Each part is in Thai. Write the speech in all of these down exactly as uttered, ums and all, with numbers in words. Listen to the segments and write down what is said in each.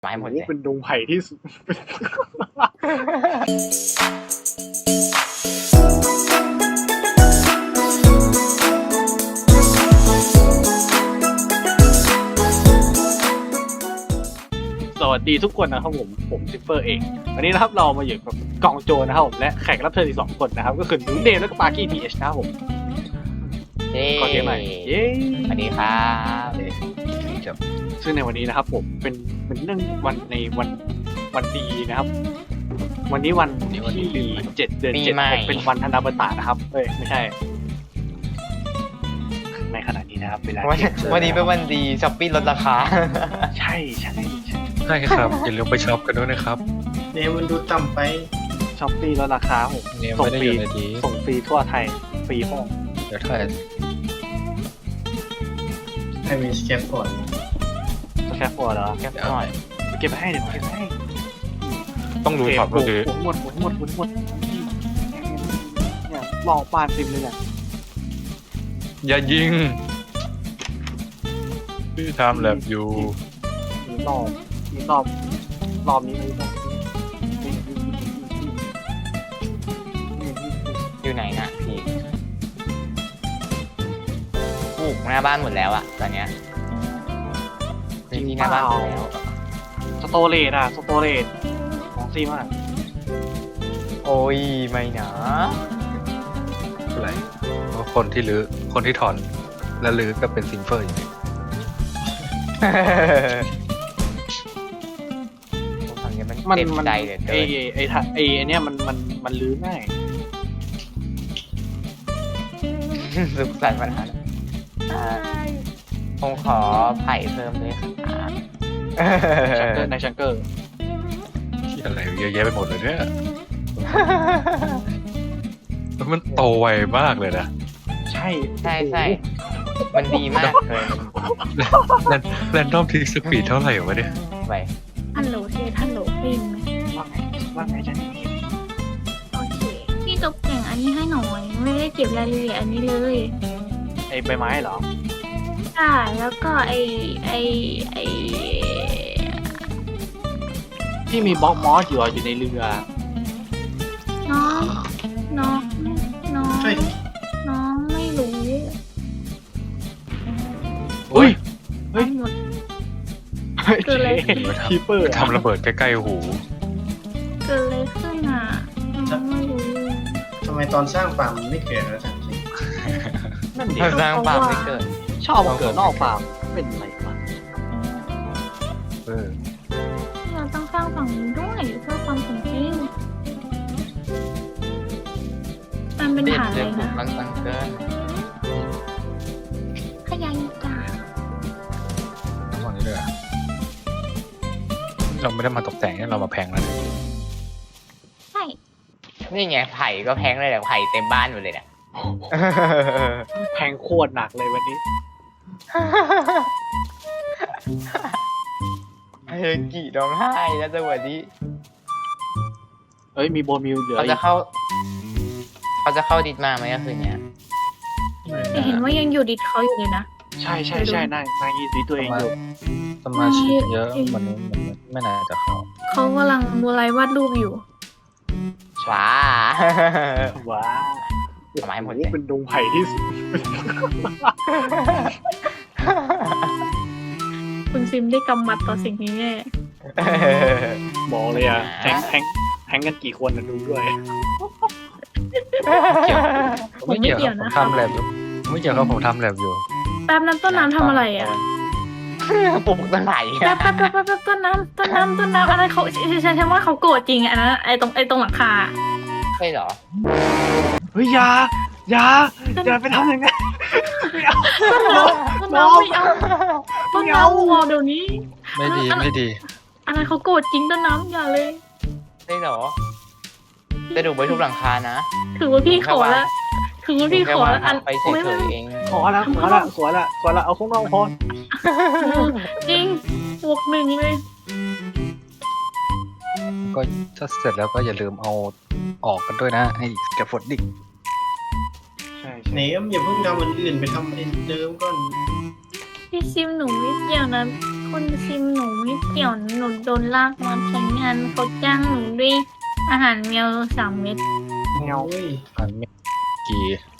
ไม้หมดเลยเป็นดงไผ่ที่สุดสวัสดีทุกคนนะครับผมผมซิปเปอร์เองวันนี้นะครับเรามาอยู่กับกองโจรนะครับผมและแขกรับเชิญอีกสองคนนะครับก็คือนุ้ยเดมและก็ปาร์กี้ทีเอชนะครับผมเย้ขอเสียงหน่อยเย้สวัสดีครับซึ่งในวันนี้นะครับผมเป็นเป็นเรื่องวันในวันวันดีนะครับวันนี้วันที่เจ็ดเดือนเจ็ดเป็นวันธนบัตรนะครับเอ้ยไม่ใช่ในขณะนี้นะครับเวลาวันนี้เป็นวันดีช้อปปี้ลดราคาใช่ใช่ใช่ใช่ครับอย่าลืมไปช็อปกันด้วยนะครับเนี่ยมันดูต่ำไปช้อปปี้ลดราคาผมส่งฟรีส่งฟรีทั่วไทยฟรีห้องเดี๋ยวถ่ายให้มีสแคปก่อนสแคปก่อนเหรอแคปหน่อยเก็บไปให้เดี๋ยวเก็บไปให้ต้องดูช็อปก็คือหมดหมดหมดหมดหมดเนี่ยรอปานซิมเลยเนี่ยอย่ายิงพี่ทำแลบอยู่มีรอบมีรอบรอบนี้เลยอยู่ไหนนะพี่ปลูกหน้าบ้านหมดแล้วอะตอนเนี้ยจริงๆหน้าบ้านหมดแล้วสโตเรจอะสโตเรจของซีมากโอ้ยไม่นะอะไรเพราะคนที่รื้อคนที่ถอนและรื้อก็เป็นซิงเฟอร์อยู่ผมทำนี้มันเต็มใจเลยไอไอไอไอเนี้ยมันมันมันรื้อง่ายสุขสันต์วันนั้นผมขอไผ่เพิ่มด้วยครับชังเกอร์ในชังเกอร์ที่อะไรเยอะแยะไปหมดเลยเนี่ยมันโตไวมากเลยนะใช่ใช่ใช่มันดีมากเลยแรนดอมทีสปีดเท่าไหร่วะเนี่ยไปฮัลโหลเชฮัลโหลปินว่าไงว่าไงจันนี่โอเคพี่ตกแต่งอันนี้ให้หน่อยไม่ได้เก็บรายละเอียดอันนี้เลยไอใบไม้เหรอใช่แล้วก็ไอไอไอที่มีบล็อกมอสอยู่อยู่ในเรือน้องน้องน้องน้องไม่รู้เฮ้ยเฮ้ยหมดเกิดอะไรคีเปอร์ทำระเบิดใกล้ๆหูเกิดอะไรขึ้นอ่ะน้องไม่รู้ทำไมตอนสร้างฟาร์มมันไม่เกิดแล้วจังจริงนั่นดิสร้างฟาร์มไม่เกิดชอบมาเกิดนอกฟาร์มเป็นไรมาเออเราต้องสร้างฝั่งนี้ด้วยเพื่อความสมจริงมันเป็นฐานเลยนะมันตั้งเกินขยายตาฝั่งนี้เลยเราไม่ได้มาตกแต่งเรามาแพงแล้วใช่นี่ไงไผ่ก็แพงเลยแหละไผ่เต็มบ้านหมดเลยเนี่ยแพงโคตรหนักเลยวันนี้เฮ้ยกี่ร้องไห้แล้วจังหวะนี้เอ้ยมีโบมิวเหลือเขาจะเข้าเขาจะเข้าดิสมาไหมคืนนี้เห็นว่ายังอยู่ดิสเขาอยู่เลยนะใช่ใช่ใช่นายนายยีดีตัวเองอยู่สมาชิกเยอะมันไม่น่าจะเข้าเขากำลังมูไลวาดรูปอยู่ว้าว้าไม้หมดเลยเป็นดงไผ่ที่สุดคุณซิมได้กำมัดต่อสิ่งนี้แน่บอกเลยอ่ะแทงแทงแทงกันกี่คนนะดูด้วยไม่เกี่ยวนะผมทำแลบอยู่ไม่เกี่ยวกับผมทำแลบอยู่แป๊บนั้นต้นน้ำทำอะไรอ่ะปลูกต้นไหนแป๊บแป๊บแป๊บแป๊บต้นน้ำต้นน้ำต้นน้ำอะไรเขาฉันฉันว่าเขาโกรธจริงอันนั้นไอตรงไอตรงหลังคาใช่เหรอเฮ้ยยายาอย่าไปทำอย่างนั้นต้นน้ำต้นน้ำไม่เอาต้นน้ำวอลเดี๋ยวนี้ไม่ดีไม่ดีอะไรเขาโกรธจริงต้นน้ำอย่าเลยใช่เหรอจะดูไปทุกหลังคานะถือว่าพี่ขอละถือว่าพี่ขอละอันไปเฉยๆเองขอละขอละขอละขอละเอาข้างนอกพอจริงบวกหนึ่งเลยก็ถ้าเสร็จแล้วก็อย่าลืมเอาออกกันด้วยนะไอ้แกฟดดิ้งใช่ไหนอย่าเพิ่งทำอันอื่นไปทำอันเดิมก่อนพี่ซิมหนูไม่เกี่ยวนะขคุณซิมหนูไม่เกี่ยวนะหนูโดนลากมาใช้งานเขาจ้างหนูด้วยอาหารแมวสามเม็ดเงาโอ้ยอันไม่กี่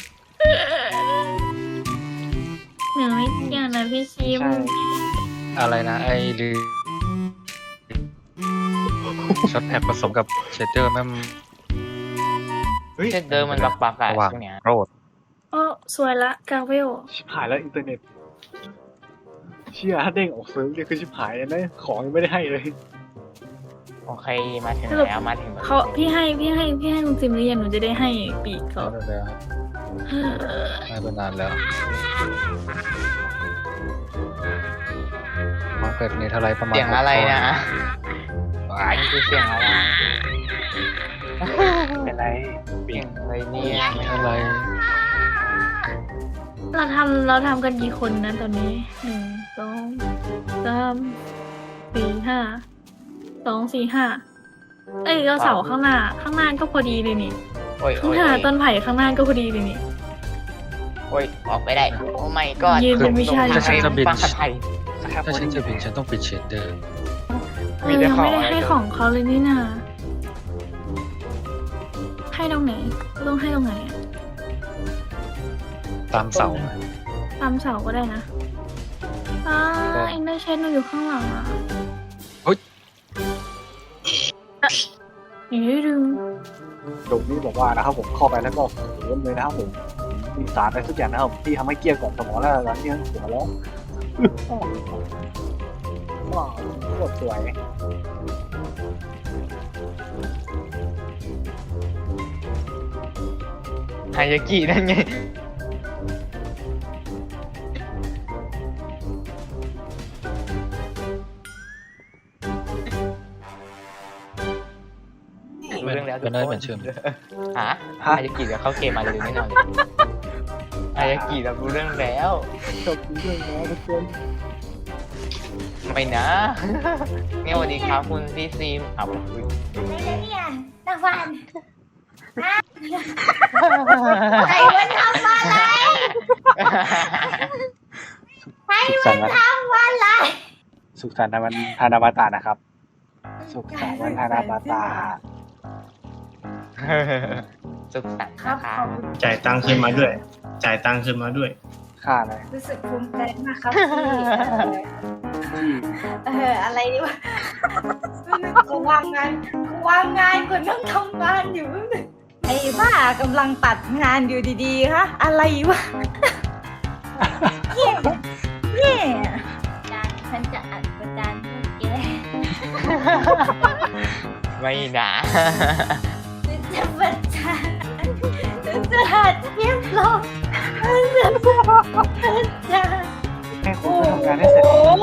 หนูไม่เกี่ยวนะพี่ซิมใช่อะไรนะไอ้ลือช็อตแพ็กผสมกับเชดเดอร์แม่งเฮ้ยเช่นเดิมมันบักบักๆอะระหว่างช่วงเนี้ยโรดโอ้สวยละกาเวลชิบหายแล้วอินเทอร์เน็ตเชี่ยถ้าเด้งออกเซิร์ฟเนี่ยคือชิบหายเลยนะของยังไม่ได้ให้เลยโอเคมาถึงแล้วมาถึงเขาพี่ให้พี่ให้พี่ให้ลุงซิมหรือยังหนูจะได้ให้ปีกเขาแล้วแล้วให้ไปนานแล้วมาเป็ดนี่เท่าไรประมาณเสียงอะไรนะหกอันนี้คือเสียงอะไรเป็นไรเสียงอะไรเนี่ยคนเท่าไรเราทำเราทำกันกี่คนนะตอนนี้หนึ่งสองสามสี่ห้าสองสี่ห้าเอ้ยเราเสาข้างหน้า ข้างหน้าก็พอดีเลยนี่โอ้ยข้าโอ้งยหน้าโอ้ยต้นไผ่ข้างหน้าก็พอดีเลยนี่โอ้ยออกไปได้โอ้ไม่ก็ยืนเป็นวิชาฟังไทยถ้าฉันจะบินฉันต้องปิดเชดเดอร์เออยังไม่ได้ให้ของเขาเลยนี่นาให้ตรงไหนต้องให้ตรงไหนอะตามเสาตามเสาก็ได้นะอ่าเอ็งได้เช็ดหนูอยู่ข้างหลังอ่ะเฮ้ยอยู่ได้ดึงดุนี่บอกว่านะครับผมเข้าไปแล้วก็เริ่มเลยนะครับผมมีสารอะไรสักอย่างนะครับที่ทำให้เกลี้ยกล่อมสมองแล้วตอนนี้หัวแล้วว้าวโคตรสวยฮายากินั่นไงเป็นเรื่องแล้วเป็นได้เหมือนเชื่อมฮะฮายากิเดี๋ยวเข้าเกมมาเลยไม่นอนเลยฮายากิเรารู้เรื่องแล้วจบเรื่องแล้วทุกคนไม่นะ เนี่ยสวัสดีครับคุณพี่ซีมครับอะไรนะเนี่ยตะวันใครมันทำอะไรใครสุขมัสันนต์วันทำอะไรสุขสันต์วันธนาบาตานะครับ สุขสันต์วันธนาบาตาสุขสันต์ครับนะคะขอบคุณจ่ายตังค์ขึ้นมาด้วย จ่ายตังค์ขึ้นมาด้วยค่าอะไรรู้สึกภูมิใจมากครับที่เอออะไรดีวะกูวางงานกูวางงานกูนั่งทำงานอยู่ไอ้บ้ากำลังตัดงานอยู่ดีๆฮะอะไรวะเนี่ยเนี่ยจานฉันจะอัดประจานพวกแกไม่นะฉันจะประจานฉันจะหัดเทียบลงฉันจะประจานให้คุณไปทำงานให้เสร็จโอ้โห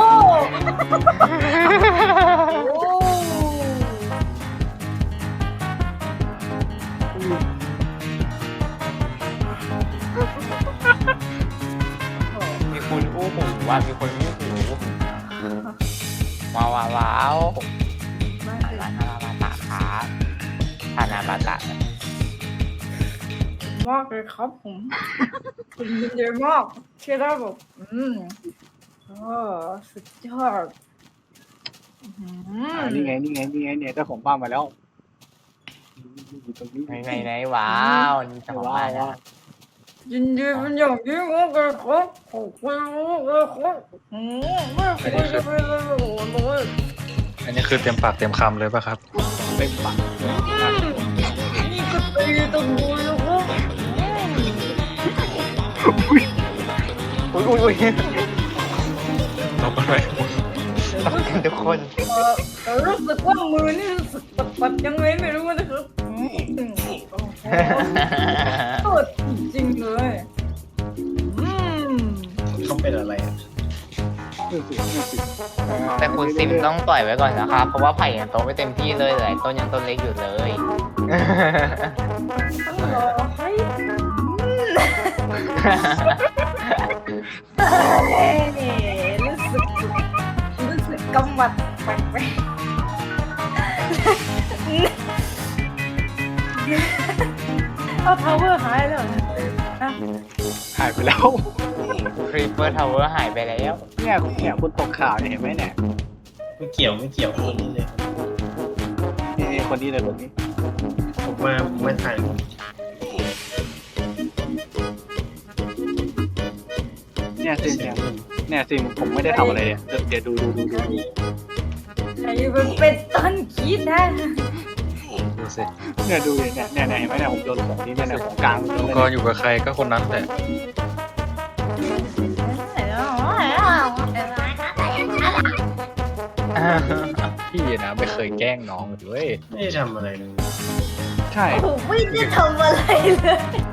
มีคนอู้หูว่ามีคนอู้หูว้าวว้าวว้าวธนาบาตะครับธนาบาตะมากเลยครับผมคุณยินดีมากที่ได้แบบอืมโอ้สุดยอดอืมอ่านี่ไงนี่ไงนี่ไงเนี่ยเจ้าของบ้านมาแล้วอยู่ตรงนี้ไหนไหนไหนว้าวนี่จะมาแล้วยินดีเป็นอย่างยิ่งมากเลยครับขอบคุณมากเลยครับอืมไม่คุยจะไปเลยโอ้โหอันนี้คือเต็มปากเต็มคำเลยป่ะครับเต็มปากนี่ก็ตีตะบูเลยครับอุ้ยอุ้ยอุ้ยลบอะไรต้องกันทุกคนแต่รู้สึกว่ามือนี่รู้สึกปัดๆยังไงไม่รู้นะครับอืมโอ้โหโคตรจริงๆเลยอืมเขาเป็นอะไรอะนี่สินี่สิแต่คุณซิมต้องปล่อยไว้ก่อนนะครับ เพราะว่าไผ่ยังโตไม่เต็มที่เลยหลายต้นยังต้นเล็กอยู่เลยต้องรอให้รู้สึกรู้สึกกำมัดแปลกๆเอาทาวเวอร์หายแล้วนะหายไปแล้วครีปเปอร์ทาวเวอร์หายไปแล้วเนี่ยเนี่ยคุณตกข่าวเนี่ยเห็นไหมเนี่ยไม่เกี่ยวไม่เกี่ยวคนนี้เลยนี่คนนี้เลยคนนี้ผมมาผมมาถ่ายเนี่ยสิเนี่ยเนี่ยสิผมไม่ได้ทำอะไรเลยเดี๋ยวดูดูดูดูดูไอ้มันเป็นต้นคิดนะดูสิเนี่ยดูดิเนี่ยเนี่ยเนี่ยเห็นไหมเนี่ยผมโดนของนี้เนี่ยเนี่ยของกลางโดนเลยก็อยู่กับใครก็คนนั้นแหละพี่นะไม่เคยแกล้งน้องเลยเว้ยไม่ได้ทำอะไรเลยใช่ผมไม่ได้ทำอะไรเลย